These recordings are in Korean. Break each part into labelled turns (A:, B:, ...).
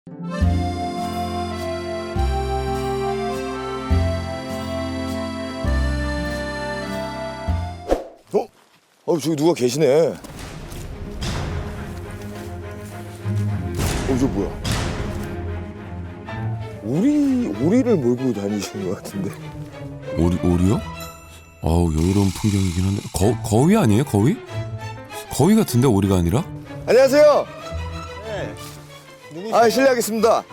A: 저기 누가 계시네. 저 뭐야? 오리를 몰고 다니시는 것 같은데.
B: 오리요? 여유로운 풍경이긴 한데 거위 아니에요? 거위? 거위 같은데 오리가 아니라?
A: 안녕하세요.
C: 네. 누구세요?
A: 실례하겠습니다.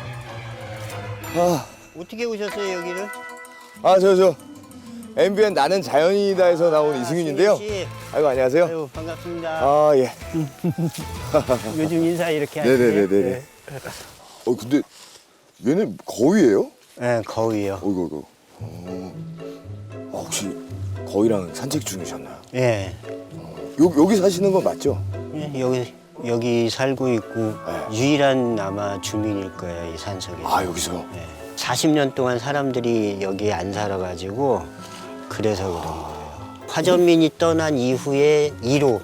C: 어떻게 오셨어요 여기를?
A: 저 MBN 나는 자연이다에서 나온 이승윤인데요.
C: 승윤 씨.
A: 아이고 안녕하세요.
C: 아유, 반갑습니다.
A: 예.
C: 요즘 인사 이렇게 하시네.
A: 네네네네. 근데 얘는 거위예요?
C: 네, 거위요.
A: 어이구. 혹시 거위랑 산책 중이셨나요?
C: 예.
A: 여기 사시는 건 맞죠?
C: 예, 여기 살고 있고 유일한 아마 주민일 거예요 이 산속에.
A: 여기서요?
C: 예. 40년 동안 사람들이 여기 안 살아가지고 그래서 그런 거예요. 화전민이 떠난 이후에 2로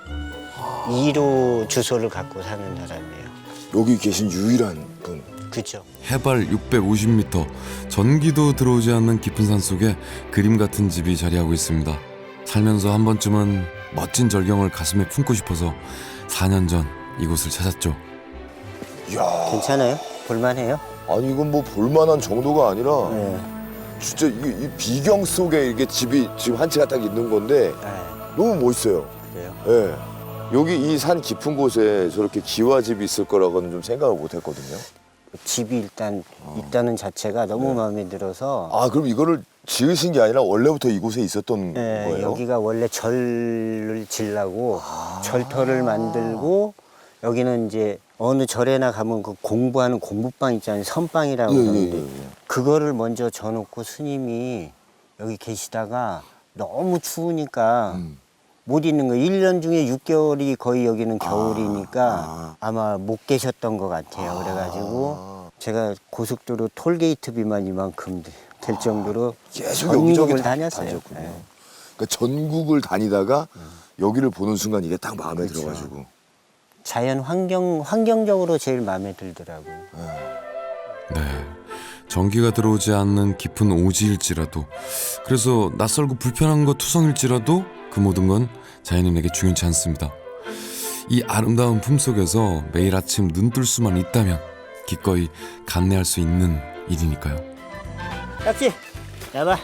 C: 주소를 갖고 사는 사람이에요.
A: 여기 계신 유일한 분.
C: 그죠?
B: 해발 650m, 전기도 들어오지 않는 깊은 산 속에 그림 같은 집이 자리하고 있습니다. 살면서 한 번쯤은 멋진 절경을 가슴에 품고 싶어서 4년 전 이곳을 찾았죠.
A: 이야.
C: 괜찮아요? 볼만해요?
A: 아니 이건 뭐 볼만한 정도가 아니라
C: 네.
A: 진짜 이 비경 속에 이게 집이 지금 한 채가 딱 있는 건데 너무 멋있어요.
C: 그래요?
A: 예. 여기 이 산 깊은 곳에 저렇게 기와집이 있을 거라고는 좀 생각을 못 했거든요.
C: 집이 일단 있다는 자체가 너무 마음에 들어서
A: 그럼 이거를 지으신 게 아니라 원래부터 이곳에 있었던 거예요?
C: 여기가 원래 절을 지려고 절터를 만들고 여기는 이제 어느 절에나 가면 그 공부하는 공부방 있잖아요. 선방이라고 그러는데 그거를 먼저 져놓고 스님이 여기 계시다가 너무 추우니까 못 있는 거예요. 1년 중에 6개월이 거의 여기는 겨울이니까 아마 못 계셨던 것 같아요. 그래가지고 제가 고속도로 톨게이트비만 이만큼 될 정도로
A: 계속 여기저기
C: 전국을 다녔어요.
A: 다녔군요.
C: 네.
A: 그러니까 전국을 다니다가 여기를 보는 순간 이게 딱 마음에
C: 그렇죠.
A: 들어가지고.
C: 자연 환경적으로 제일 마음에 들더라고요.
B: 네, 전기가 들어오지 않는 깊은 오지일지라도, 그래서 낯설고 불편한 것 투성일지라도 그 모든 건 자연인에게 중요치 않습니다. 이 아름다운 품속에서 매일 아침 눈 뜰 수만 있다면 기꺼이 감내할 수 있는 일이니까요.
C: 딱지 나봐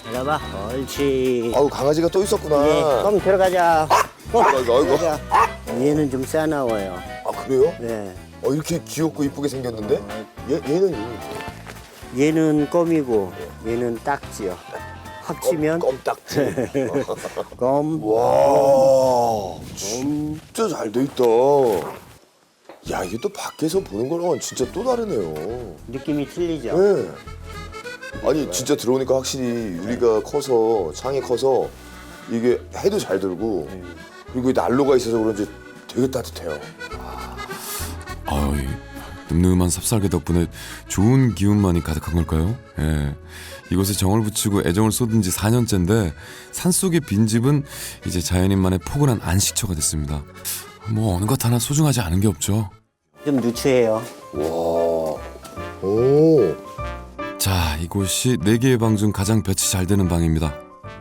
C: 옳지.
A: 강아지가 또 있었구나.
C: 껌 들어가자.
A: 아이고.
C: 들어가자. 얘는 좀 싸나워요.
A: 그래요?
C: 네.
A: 이렇게 귀엽고 이쁘게 생겼는데? 얘는
C: 얘는 껌이고 얘는 딱지요. 합치면
A: 껌딱지.
C: 껌.
A: 와, 진짜 잘 돼 있다. 야, 이게 또 밖에서 보는 거랑은 진짜 또 다르네요.
C: 느낌이 틀리죠.
A: 네. 아니 진짜 들어오니까 확실히 유리가 커서 창이 커서 이게 해도 잘 들고 그리고 이 난로가 있어서 그런지 되게 따뜻해요.
B: 이 늠름한 삽살개 덕분에 좋은 기운만이 가득한 걸까요? 예. 이곳에 정을 붙이고 애정을 쏟은 지 4년째인데 산속의 빈집은 이제 자연인만의 포근한 안식처가 됐습니다. 뭐 어느 것 하나 소중하지 않은 게 없죠.
C: 좀 누추해요.
A: 와, 오,
B: 자, 이곳이 4개의 방 중 가장 볕이 잘 되는 방입니다.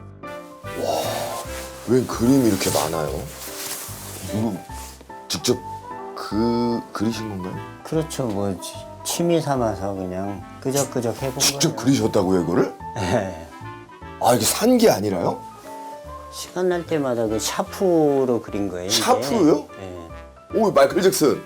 A: 왜 그림이 이렇게 많아요? 이거 직접 그리신 건가요?
C: 그렇죠. 뭐 취미 삼아서 그냥 끄적끄적 해본
A: 직접
C: 거예요.
A: 그리셨다고요, 이거를?
C: 네.
A: 이게 산 게 아니라요?
C: 시간 날 때마다 그 샤프로 그린 거예요. 이게.
A: 샤프로요?
C: 네.
A: 오, 마이클 잭슨.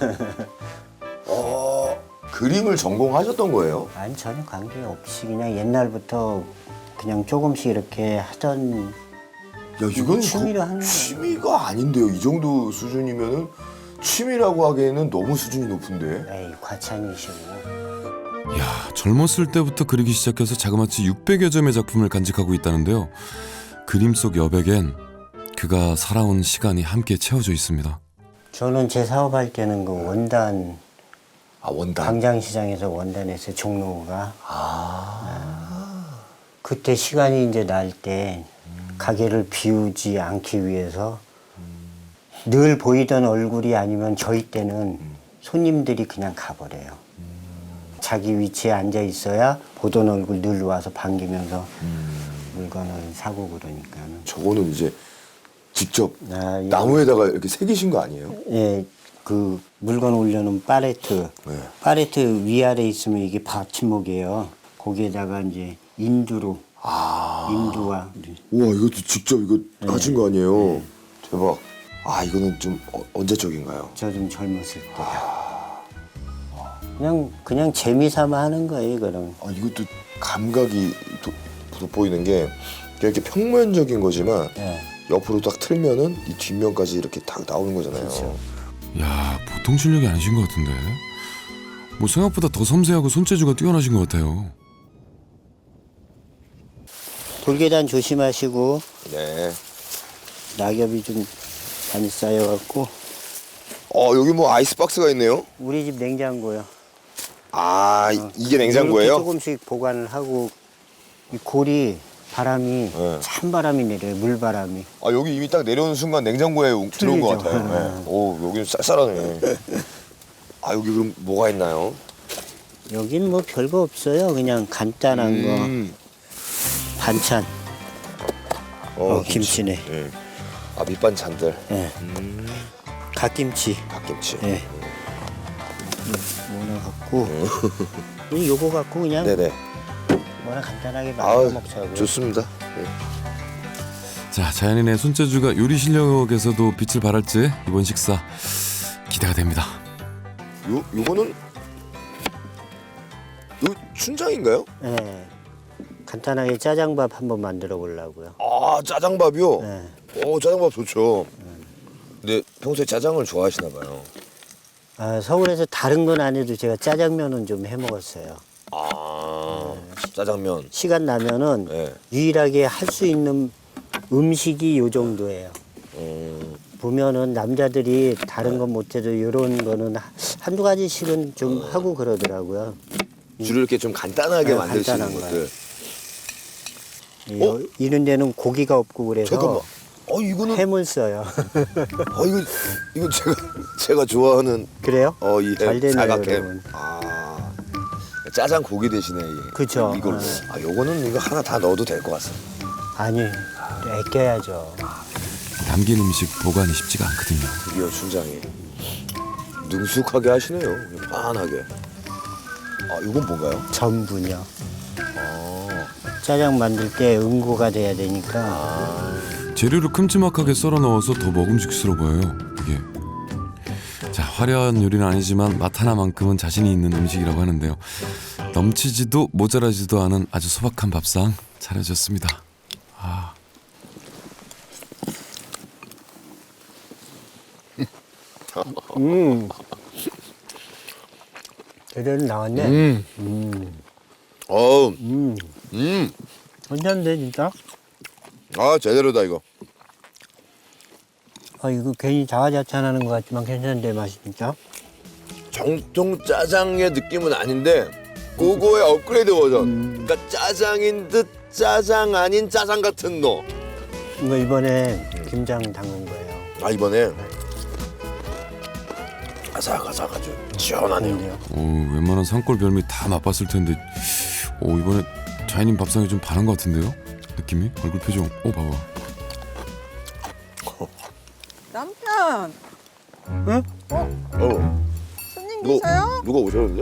A: 그림을 전공하셨던 거예요?
C: 아니 전혀 관계없이 그냥 옛날부터 그냥 조금씩 이렇게 하던
A: 야, 이건
C: 취미로 하는 거예요.
A: 취미가 아닌데요. 이 정도 수준이면은 취미라고 하기에는 너무 수준이 높은데.
C: 에이 과찬이시고.
B: 이야, 젊었을 때부터 그리기 시작해서 자그마치 600여 점의 작품을 간직하고 있다는데요. 그림 속 여백엔 그가 살아온 시간이 함께 채워져 있습니다.
C: 저는 제 사업할 때는 그 원단
A: 원단.
C: 광장시장에서 원단했어요. 종로가. 그때 시간이 이제 날 때 가게를 비우지 않기 위해서 늘 보이던 얼굴이 아니면 저희 때는 손님들이 그냥 가버려요. 자기 위치에 앉아 있어야 보던 얼굴 늘 와서 반기면서 물건을 사고 그러니까는.
A: 저거는 이제 직접
C: 아, 이거-
A: 나무에다가 이렇게 새기신 거 아니에요?
C: 예, 그 물건 올려놓은 파레트.
A: 네.
C: 파레트 위아래 있으면 이게 받침목이에요. 거기에다가 이제 인두로. 인두와.
A: 우와, 이것도 직접 이거 하신 거 아니에요? 대박. 아, 이거는 좀 언제적인가요?
C: 저 좀 젊었을 때. 그냥 재미삼아 하는 거예요, 그럼.
A: 아, 이것도 감각이 돋보이는 게 이렇게 평면적인 거지만
C: 예.
A: 옆으로 딱 틀면은 이 뒷면까지 이렇게 딱 나오는 거잖아요.
C: 그렇죠.
B: 야, 보통 실력이 아니신 것 같은데. 뭐 생각보다 더 섬세하고 손재주가 뛰어나신 것 같아요.
C: 돌계단 조심하시고
A: 네.
C: 낙엽이 좀 많이 쌓여갖고
A: 여기 뭐 아이스박스가 있네요.
C: 우리 집 냉장고요.
A: 아, 이게
C: 이렇게
A: 냉장고예요?
C: 조금씩 보관을 하고 이 골이 바람이
A: 네.
C: 찬 바람이 내려요. 물바람이.
A: 아, 여기 이미 딱 내려오는 순간 냉장고에 들어온 것
C: 틀리죠.
A: 같아요. 네. 오, 여기는 쌀쌀하네. 아, 여기 그럼 뭐가 있나요?
C: 여긴 뭐 별거 없어요. 그냥 간단한 거 반찬. 김치네.
A: 예. 아, 밑반찬들.
C: 예. 갓김치.
A: 갓김치.
C: 예. 뭐나 갖고 요거 갖고 그냥
A: 네네.
C: 뭐나 간단하게
A: 아,
C: 만들어 먹자고요.
A: 좋습니다. 네.
B: 자, 자연인의 손재주가 요리 실력에서도 빛을 발할지 이번 식사 기대가 됩니다.
A: 요거는 요 춘장인가요?
C: 예. 간단하게 짜장밥 한번 만들어 보려고요.
A: 아, 짜장밥이요?
C: 예.
A: 짜장밥 좋죠. 근데 평소에 짜장을 좋아하시나 봐요.
C: 아, 서울에서 다른 건 안 해도 제가 짜장면은 좀 해 먹었어요.
A: 아, 짜장면.
C: 시간 나면은
A: 네.
C: 유일하게 할 수 있는 음식이 요 정도예요. 보면은 남자들이 다른 건 못해도 이런 거는 한두 가지씩은 좀 하고 그러더라고요.
A: 주로 이렇게 좀 간단하게
C: 네,
A: 만들 수 있는
C: 간단한
A: 것들.
C: 이런 데는 고기가 없고 그래서
A: 잠깐만. 이거는
C: 햄을 써요.
A: 이거 제가 좋아하는
C: 그래요?
A: 이
C: 잘
A: 햄,
C: 되네요,
A: 사각햄.
C: 여러분.
A: 아, 짜장 고기 대신에 이게.
C: 그쵸.
A: 이걸로. 요거는 이거 하나 다 넣어도 될 것 같습니다.
C: 아니, 아껴야죠.
B: 담긴 음식 보관이 쉽지가 않거든요.
A: 드디어 춘장이 능숙하게 하시네요. 편하게. 아, 이건 뭔가요?
C: 전분요. 짜장 만들 때 응고가 돼야 되니까
B: 재료를 큼지막하게 썰어 넣어서 더 먹음직스러워 보여요. 이게. 자, 화려한 요리는 아니지만 맛 하나만큼은 자신이 있는 음식이라고 하는데요. 넘치지도 모자라지도 않은 아주 소박한 밥상 차려졌습니다. 아.
C: 제대로 나왔네. 괜찮은데 진짜?
A: 아, 제대로다 이거.
C: 이거 괜히 자화자찬하는 것 같지만 괜찮은데 맛이 진짜?
A: 정통 짜장의 느낌은 아닌데 그거의 업그레이드 버전. 그러니까 짜장인 듯 짜장 아닌 짜장 같은 너.
C: 이거 이번에 김장 담근 거예요.
A: 아, 이번에 아삭아삭 아주 시원하네요.
C: 그런데요.
B: 웬만한 산골 별미 다 맛봤을 텐데 이번에 자연인 밥상이 좀 반한 것 같은데요? 느낌이? 얼굴 표정. 봐봐.
D: 남편
A: 어,
D: 손님 계세요?
A: 누가 오셨는데?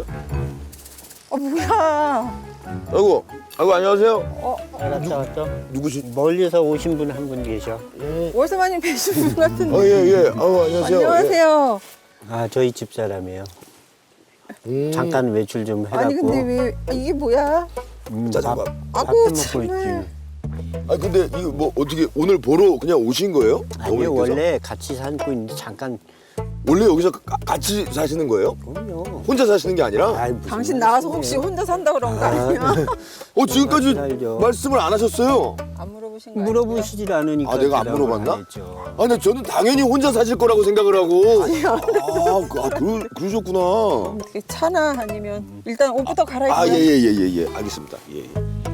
D: 뭐야?
A: 아이고 안녕하세요.
C: 왔다.
A: 누구시?
C: 멀리서 오신 분 한 분 계셔.
D: 월세마님 뵈신 분 같은데.
A: 예. 안녕하세요.
D: 안녕하세요.
C: 저희 집 사람이에요. 잠깐 외출 좀 해갖고.
D: 아니 근데 왜 이게 뭐야?
A: 짜장밥.
C: 밥
D: 아이고,
C: 먹고
D: 정말.
C: 있지.
A: 아, 근데 이거 뭐 어떻게 오늘 보러 그냥 오신 거예요?
C: 아니요,
A: 어머니께서?
C: 원래 같이 살고 있는데 잠깐.
A: 원래 여기서 같이 사시는 거예요?
C: 그럼요.
A: 혼자 사시는 게 아니라?
C: 무슨
D: 당신 나가서 혹시
C: 말씀이에요?
D: 혼자 산다 그런 거 아니야?
A: 지금까지
C: 살죠.
A: 말씀을 안 하셨어요.
D: 안 물어보신 거 아니야?
C: 물어보시질 않으니까.
A: 아, 내가 안
C: 대답을
A: 물어봤나?
C: 안 했죠.
A: 아, 근데 저는 당연히 혼자 사실 거라고 생각을 하고. 그러셨구나.
D: 이렇게 차나 아니면 일단 옷부터 갈아입고.
A: 아, 예. 알겠습니다. 예.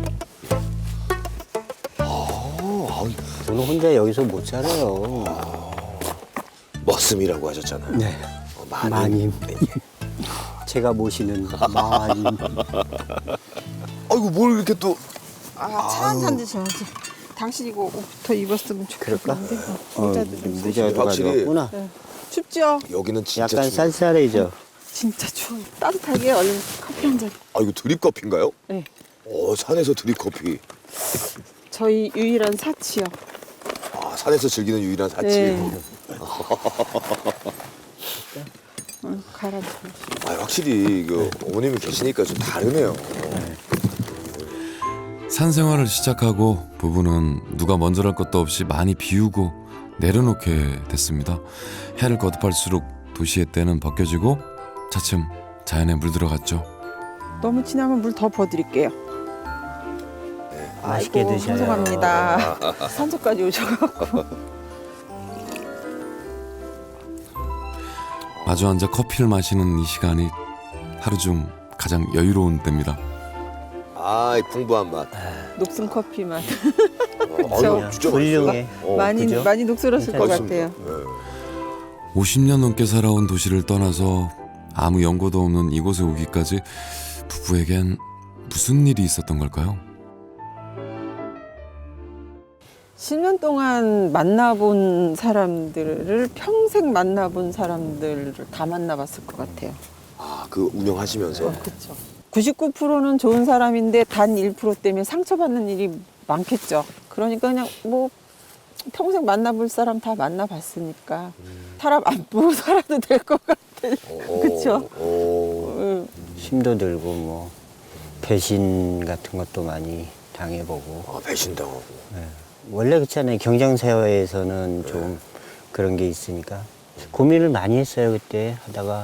C: 저는 혼자 여기서 못 살아요.
A: 머슴이라고 하셨잖아요.
C: 네.
A: 마님.
C: 마님. 제가 모시는 마님.
A: 아이고 뭘 이렇게 또
D: 차 한 잔 드셔야지. 당신 이거 옷부터 입었으면
C: 그럴까?
D: 좋겠는데. 모자도 좀 쓰시고.
C: 모자도
A: 확실히.
C: 가져왔구나.
D: 네. 춥죠?
A: 여기는 진짜
C: 약간
A: 추워.
C: 쌀쌀해져.
D: 진짜 추워요. 따뜻하게 얼른 커피 한 잔.
A: 아 이거 드립 커피인가요?
D: 네.
A: 산에서 드립 커피.
D: 저희 유일한 사치요.
A: 아 산에서 즐기는 유일한 사치.
D: 네. 갈아줘.
A: 아 확실히 어머님이 계시니까 좀 다르네요.
B: 산 생활을 시작하고 부부는 누가 먼저랄 것도 없이 많이 비우고 내려놓게 됐습니다. 해를 거듭할수록 도시의 때는 벗겨지고 차츰 자연에 물들어갔죠.
D: 너무 진하면 물 더 부어드릴게요.
C: 맛있게
D: 아이고,
C: 드셔요.
D: 죄송합니다. 산소까지 오셔갖고.
B: 마주 앉아 커피를 마시는 이 시간이 하루 중 가장 여유로운 때입니다.
A: 이 풍부한 맛.
D: 녹슨 커피 맛.
A: 아유, 진짜
C: 훌륭해.
A: 맛있어요.
D: 많이
C: 그죠?
D: 많이 녹슬었을 것
A: 맛있습니다.
D: 같아요.
A: 네.
B: 50년 넘게 살아온 도시를 떠나서 아무 연고도 없는 이곳에 오기까지 부부에겐 무슨 일이 있었던 걸까요?
D: 10년 동안 만나본 사람들을 평생 만나본 사람들을 다 만나봤을 것 같아요.
A: 그 운영하시면서.
D: 그렇죠. 99%는 좋은 사람인데 단 1% 때문에 상처받는 일이 많겠죠. 그러니까 그냥 뭐 평생 만나볼 사람 다 만나봤으니까 사람 안 보고 살아도 될 것 같아요. 그렇죠.
C: 힘도 들고 뭐 배신 같은 것도 많이 당해보고.
A: 배신당하고.
C: 원래 그렇잖아요. 경쟁사회에서는 좀 그런 게 있으니까 고민을 많이 했어요. 그때 하다가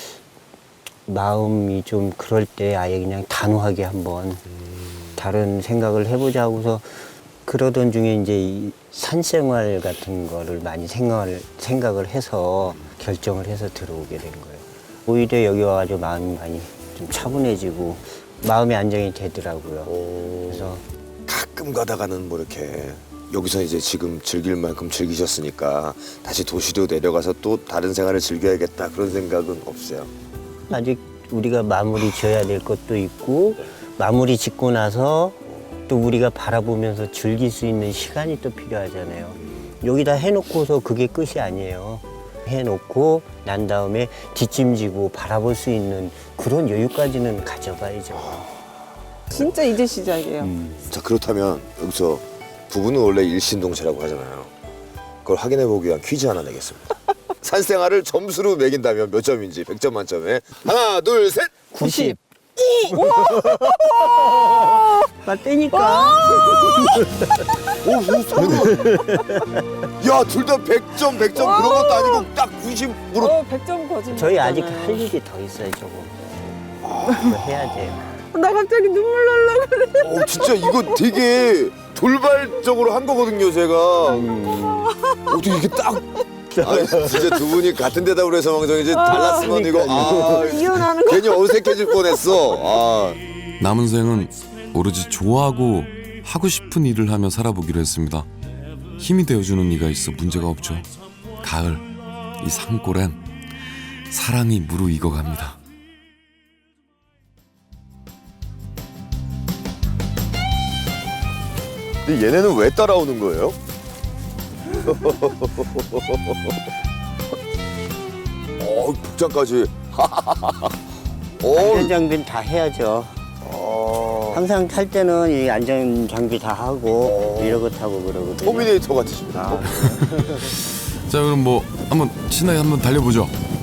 C: 마음이 좀 그럴 때 아예 그냥 단호하게 한번 다른 생각을 해보자 하고서 그러던 중에 이제 이 산생활 같은 거를 많이 생각을 해서 결정을 해서 들어오게 된 거예요. 오히려 여기 와가지고 마음이 많이 좀 차분해지고 마음의 안정이 되더라고요. 그래서
A: 가끔 가다가는 뭐 이렇게 여기서 이제 지금 즐길 만큼 즐기셨으니까 다시 도시로 내려가서 또 다른 생활을 즐겨야겠다 그런 생각은 없어요.
C: 아직 우리가 마무리 지어야 될 것도 있고 마무리 짓고 나서 또 우리가 바라보면서 즐길 수 있는 시간이 또 필요하잖아요. 여기다 해놓고서 그게 끝이 아니에요. 해놓고 난 다음에 뒷짐지고 바라볼 수 있는 그런 여유까지는 가져가야죠.
D: 진짜 이제 시작이에요.
A: 자 그렇다면 여기서 부부는 원래 일신동체라고 하잖아요. 그걸 확인해 보기 위한 퀴즈 하나 내겠습니다. 산생활을 점수로 매긴다면 몇 점인지 100점 만점에 하나 둘 셋.
C: 90. 나 빼니까.
A: 야 둘 다 100점 100점 그런 것도 아니고 딱 90으로.
D: 100점 거짓말.
C: 저희 아직 할 일이 더 있어요, 조금. 그거 해야 돼요.
D: 나 갑자기 눈물 날라 그래.
A: 진짜 이거 되게 돌발적으로 한 거거든요 제가. 어떻게 이게 딱. 진짜 두 분이 같은 데다 그래서 망정 이제 달랐으면 이거
D: 이혼하는 거.
A: 괜히 어색해질 뻔했어.
B: 남은 생은 오로지 좋아하고 하고 싶은 일을 하며 살아보기로 했습니다. 힘이 되어주는 이가 있어 문제가 없죠. 가을, 이 산골엔 사랑이 무르익어갑니다.
A: 근데 얘네는 왜 따라오는 거예요? 복장까지.
C: 안전장비는 다 해야죠. 항상 탈 때는 이 안전장비 다 하고 이러고 타고 그러거든요.
A: 터미네이터 같으십니다.
B: 자 그럼 뭐 한번 신나게 한번 달려보죠.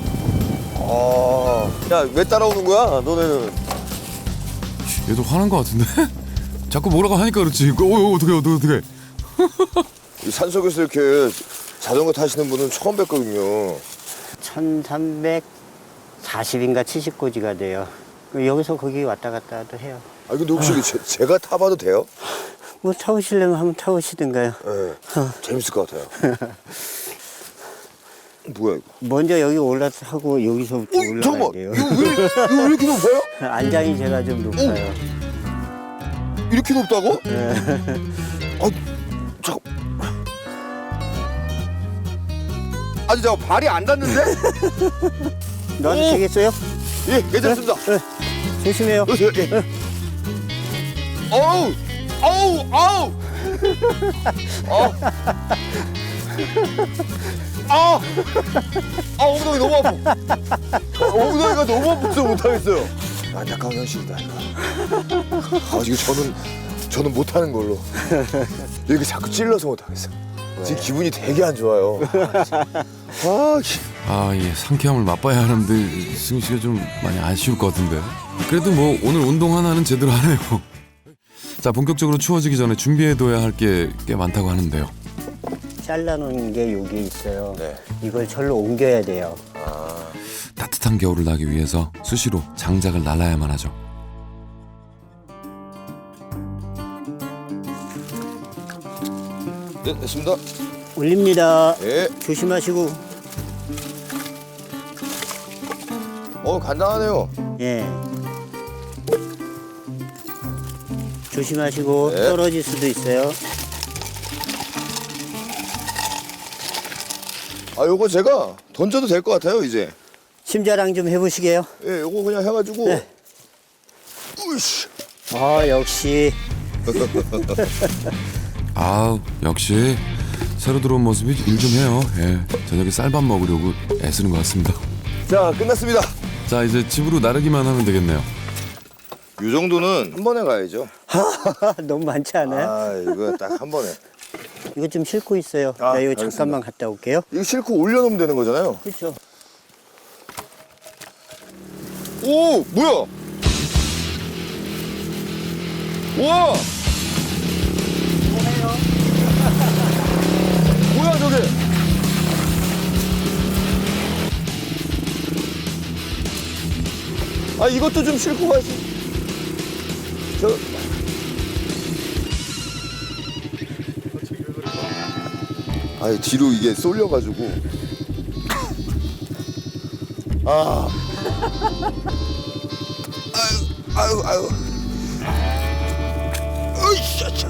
A: 야 왜 따라오는 거야 너네는?
B: 얘도 화난 것 같은데? 자꾸 뭐라고 하니까 그렇지. 어떡해.
A: 이 산속에서 이렇게 자전거 타시는 분은 처음 뵀거든요.
C: 1340인가 70고지가 돼요. 여기서 거기 왔다 갔다 도 해요.
A: 근데 혹시 제가 타봐도 돼요?
C: 뭐 타보시려면 한번 타보시든가요.
A: 네. 재밌을 것 같아요. 뭐야 이거?
C: 먼저 여기 올라타고 여기서부터 올라가야
A: 잠깐만.
C: 돼요.
A: 이거 왜 이렇게 높아요?
C: 안장이 제가 좀 높아요.
A: 이렇게 높다고? 잠깐. 아니 저 발이 안 닿는데?
C: 놔도 되겠어요?
A: 예, 괜찮습니다.
C: 조심해요.
A: 예. 어우, 어우, 어우. 엉덩이 너무 아파. 엉덩이가 너무 아파서 못하겠어요. 안타까운 현실이다 이거. 이거 저는 못하는 걸로. 이렇게 자꾸 찔러서 못하겠어. 지금 기분이 되게 안 좋아요.
B: 예, 상쾌함을 맛봐야 하는데 승희 씨가 좀 많이 아쉬울 것 같은데. 그래도 뭐 오늘 운동 하나는 제대로 하네요. 자, 본격적으로 추워지기 전에 준비해둬야 할 게 꽤 많다고 하는데요.
C: 잘라놓은 게 여기 있어요.
A: 네.
C: 이걸 절로 옮겨야 돼요.
B: 따뜻한 겨울을 나기 위해서 수시로 장작을 날라야만 하죠.
A: 네, 됐습니다.
C: 올립니다.
A: 예.
C: 조심하시고.
A: 간단하네요.
C: 예. 조심하시고
A: 네.
C: 떨어질 수도 있어요.
A: 요거 제가 던져도 될 것 같아요, 이제.
C: 심자랑 좀 해보시게요.
A: 예, 요거 그냥 해가지고.
C: 네.
A: 으이씨.
C: 역시
B: 역시 새로 들어온 모습이 일 좀 해요. 예, 저녁에 쌀밥 먹으려고 애쓰는 것 같습니다.
A: 자, 끝났습니다.
B: 자, 이제 집으로 나르기만 하면 되겠네요.
A: 요 정도는 한 번에 가야죠.
C: 너무 많지 않아요?
A: 이거 딱 한 번에.
C: 이거 좀 싣고 있어요. 나 이거
A: 알겠습니다.
C: 잠깐만 갔다 올게요.
A: 이거 싣고 올려놓으면 되는 거잖아요.
C: 그렇죠.
A: 오, 뭐야? 우와! 뭐야, 저게? 이것도 좀 싣고 가시. 뒤로 이게 쏠려가지고. 아유. 으이씨.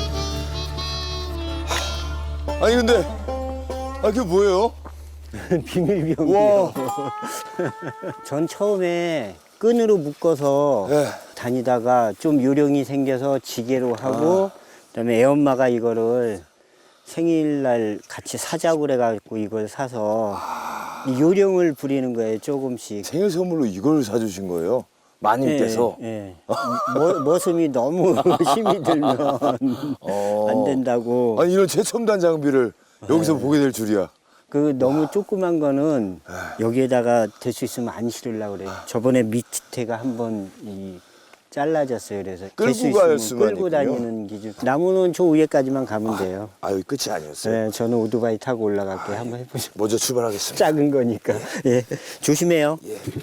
A: 근데, 그게 뭐예요?
C: 비밀병이에요. 전 처음에 끈으로 묶어서
A: 예.
C: 다니다가 좀 요령이 생겨서 지게로 하고 그다음에 애엄마가 이거를 생일날 같이 사자고 그래가지고 이걸 사서 이 요령을 부리는 거예요, 조금씩.
A: 생일 선물로 이걸 사주신 거예요? 마님께서?
C: 예. 머슴이 너무 힘이 들면 안 된다고.
A: 이런 최첨단 장비를 여기서 보게 될 줄이야.
C: 너무 조그만 거는 여기에다가 될 수 있으면 안 실으려고 그래요. 저번에 밑에가 한번 잘라졌어요. 그래서
A: 끌고
C: 될 수
A: 갈
C: 있으면
A: 수만
C: 끌고
A: 있군요.
C: 다니는 기준. 나무는 저 위에까지만 가면 돼요.
A: 끝이 아니었어요.
C: 네, 저는 오토바이 타고 올라갈게 한번 해보죠.
A: 먼저 출발하겠습니다.
C: 작은 거니까. 예, 조심해요.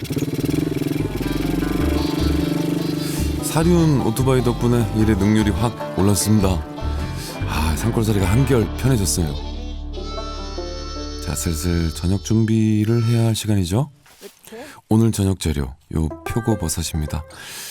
B: 사륜 오토바이 덕분에 일의 능률이 확 올랐습니다. 산골살이가 한결 편해졌어요. 자, 슬슬 저녁 준비를 해야 할 시간이죠. 오늘 저녁 재료 요 표고버섯입니다.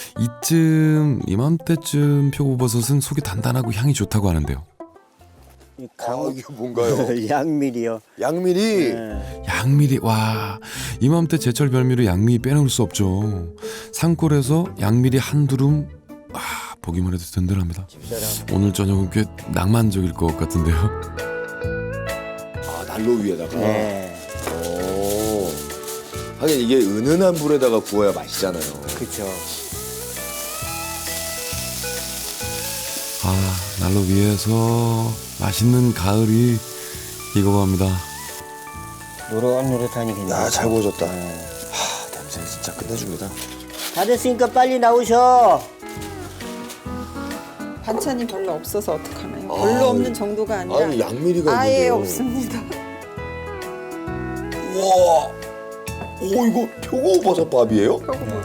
B: 이맘때쯤 표고버섯은 속이 단단하고 향이 좋다고 하는데요.
A: 이게 뭔가요?
C: 양미리요.
A: 양미리.
C: 네.
B: 양미리, 와, 이맘때 제철 별미로 양미 빼놓을 수 없죠. 산골에서 양미리 한 두름, 보기만 해도 든든합니다. 오늘 저녁은 꽤 낭만적일 것 같은데요.
A: 난로 위에다가.
C: 네,
A: 하긴 이게 은은한 불에다가 구워야 맛있잖아요.
C: 그렇죠.
B: 난로 위에서 맛있는 가을이 익어갑니다.
C: 노릇노릇하니 괜찮아요.
A: 잘 구워졌다. 냄새 진짜 끝내줍니다.
C: 다 됐으니까 빨리 나오셔.
D: 반찬이 별로 없어서 어떡하나요? 별로 없는 정도가 아니라
A: 양미리가
D: 아예
A: 있는데요.
D: 없습니다.
A: 우와. 이거 표고버섯밥이에요?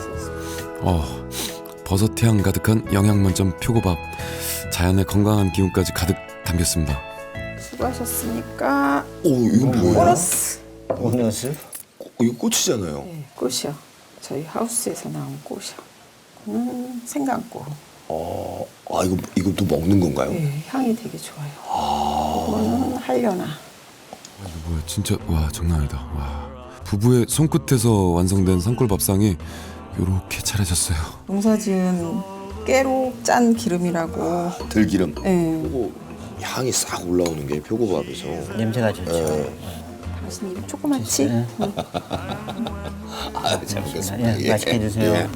B: 버섯향 가득한 영양 만점 표고밥. 자연의 건강한 기운까지 가득 담겼습니다.
D: 수고하셨으니까
A: 이거 뭐야?
D: 보너스.
C: 보너스?
A: 이거 꽃이잖아요.
D: 네, 꽃이요. 저희 하우스에서 나온 꽃이요. 생강꽃.
A: 이것도 먹는 건가요?
D: 네, 향이 되게 좋아요. 이거는 하려나.
B: 이거 뭐야, 진짜, 와, 장난 아니다. 와. 부부의 손끝에서 완성된 산골밥상이 요렇게 차려졌어요.
D: 농사지은 깨로 짠 기름이라고.
A: 들기름.
D: 네.
A: 그리고 향이 싹 올라오는 게 표고밥에서.
C: 냄새가 좋죠.
D: 당신 입 조그맣지?
C: 네.
A: 아, 잘 먹겠습니다.
C: 예, 맛있게 드세요.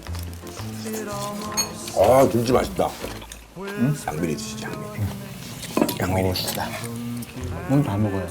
A: 아, 김치 맛있다. 양미리 드시죠, 양미리. 양미리.
C: 맛있다. 오늘 다 먹어요.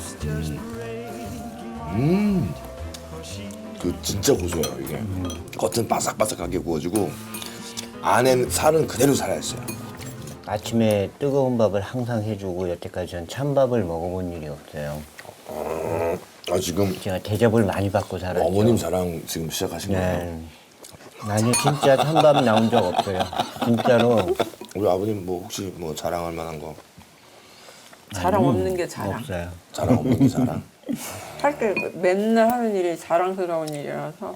A: 그 진짜 고소해요, 이게. 겉은 바삭바삭하게 구워지고 안에 살은 그대로 살아있어요.
C: 아침에 뜨거운 밥을 항상 해주고 여태까지 전 찬밥을 먹어본 일이 없어요.
A: 아, 지금
C: 제가 대접을 많이 받고 살았죠.
A: 어머님 자랑 지금 시작하신 거예요?
C: 네. 아니 진짜 찬밥 나온 적 없어요. 진짜로
A: 우리 아버님 뭐 혹시 뭐 자랑할 만한 거
D: 자랑 없는 게 자랑.
C: 없어요.
A: 자랑 없는 게 자랑?
D: 할 때 맨날 하는 일이 자랑스러운 일이라서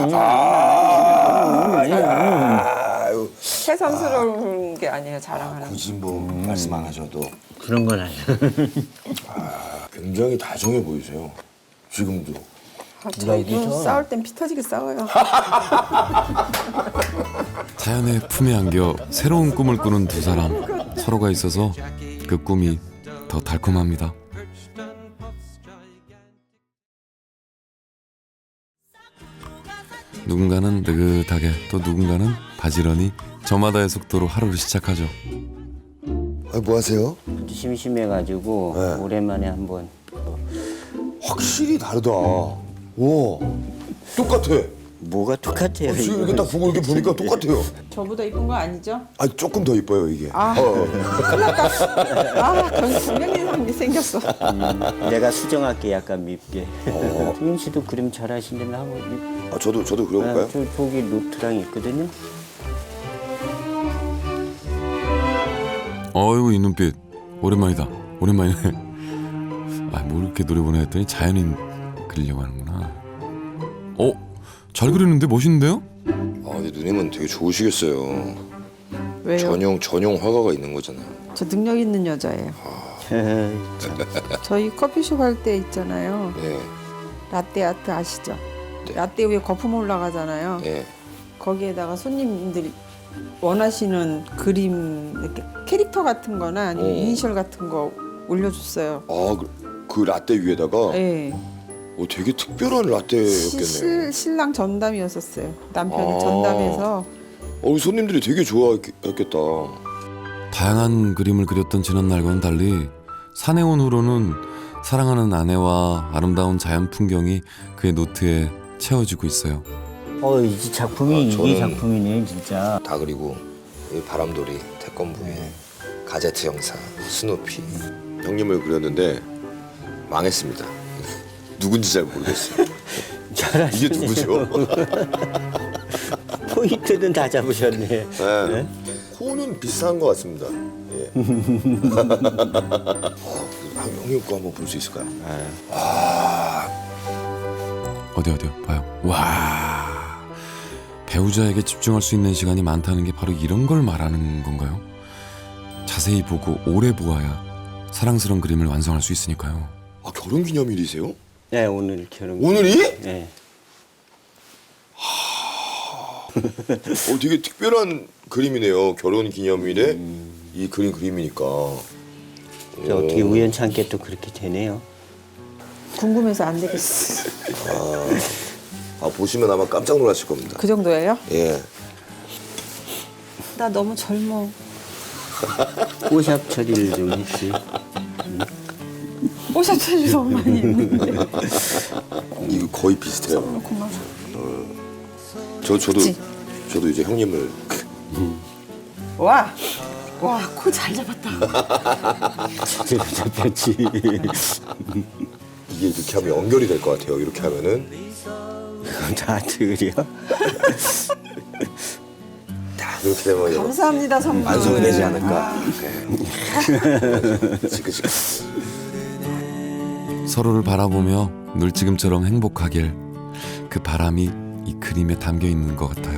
A: 아유,
D: 새삼스러운 게 아니에요, 자랑하는.
A: 굳이 뭐 말씀 안 하셔도
C: 그런 건 아니에요.
A: 굉장히 다정해 보이세요. 지금도.
D: 저희도
C: 여기서.
D: 싸울 땐 피 터지게 싸워요.
B: 자연의 품에 안겨 새로운 꿈을 꾸는 두 사람. 서로가 있어서 그 꿈이 더 달콤합니다. 누군가는 느긋하게 또 누군가는 바지런히 저마다의 속도로 하루를 시작하죠.
A: 아, 뭐 하세요?
C: 심심해가지고
A: 네.
C: 오랜만에 한번
A: 확실히 다르다. 와, 똑같아.
C: 뭐가 똑같아요.
A: 지금 이렇게 딱 보고 이렇게 보니까 똑같아요.
D: 저보다 이쁜 거 아니죠?
A: 아, 조금 더 이뻐요 이게.
D: 아, 큰일 났다. 경련이 생겼어.
C: 내가 수정할게 약간 밉게. 수인 씨도 그림 잘하신다면 한번.
A: 아, 저도 그려볼까요?
C: 저기 노트랑 있거든요.
B: 어이구 이 눈빛 오랜만이다. 오랜만이네. 아, 뭐 이렇게 노래 보내 했더니 자연인 그리려고 하는구나. 잘 그리는데 멋있는데요?
A: 아, 근데 누님은 되게 좋으시겠어요.
D: 왜요?
A: 전용 화가가 있는 거잖아요.
D: 저 능력 있는 여자예요. 저희 커피숍 할 때 있잖아요.
A: 네,
D: 라떼 아트 아시죠?
A: 네.
D: 라떼 위에 거품 올라가잖아요.
A: 네.
D: 거기에다가 손님들이 원하시는 그림 이렇게 캐릭터 같은 거나 아니면 이니셜 같은 거 올려줬어요.
A: 아, 그 라떼 위에다가
D: 네.
A: 되게 특별한 라떼였겠네요.
D: 신랑 전담이었었어요. 남편이
A: 아.
D: 전담해서.
A: 우리 손님들이 되게 좋아했겠다.
B: 다양한 그림을 그렸던 지난날과는 달리 산에 온 후로는 사랑하는 아내와 아름다운 자연 풍경이 그의 노트에 채워지고 있어요.
C: 이 작품이 이게
A: 저는-
C: 작품이네 진짜.
A: 다 그리고 이 바람돌이, 태권부에 가제트 형사, 스누피 형님을 그렸는데 망했습니다. 누군지 잘 모르겠어요.
C: 잘하시네.
A: 이게 누구죠?
C: 포인트는 다 잡으셨네.
A: 네. 코는 비슷한 것 같습니다. 예. 형님 거 한번 볼 수 있을까요?
B: 어디요 봐요. 와, 배우자에게 집중할 수 있는 시간이 많다는 게 바로 이런 걸 말하는 건가요? 자세히 보고 오래 보아야 사랑스러운 그림을 완성할 수 있으니까요.
A: 아, 결혼기념일이세요?
C: 네 오늘 결혼.
A: 오늘이?
C: 네.
A: 되게 특별한 그림이네요. 결혼기념일에 이 그림이니까.
C: 어떻게 우연찮게 또 그렇게 되네요.
D: 궁금해서 안 되겠어.
A: 보시면 아마 깜짝 놀라실 겁니다.
D: 그 정도예요?
A: 예.
D: 나 너무 젊어.
C: 뽀샵 처리를 좀 했지.
D: 뽀샵 너무 많이 했는데.
A: 이거 거의 비슷해요.
D: 고마워.
A: 저도 이제 형님을
D: 와, 코 잘 잡았다.
C: 제대로 잡혔지.
A: 이게 이렇게 하면 연결이 될 것 같아요. 이렇게 하면은
C: 다 그려.
A: 다 그렇게 되면
D: 감사합니다, 선물.
A: 완성이 되지 않을까. 지그지그.
B: 서로를 바라보며 늘 지금처럼 행복하길 그 바람이 이 그림에 담겨 있는 것 같아요.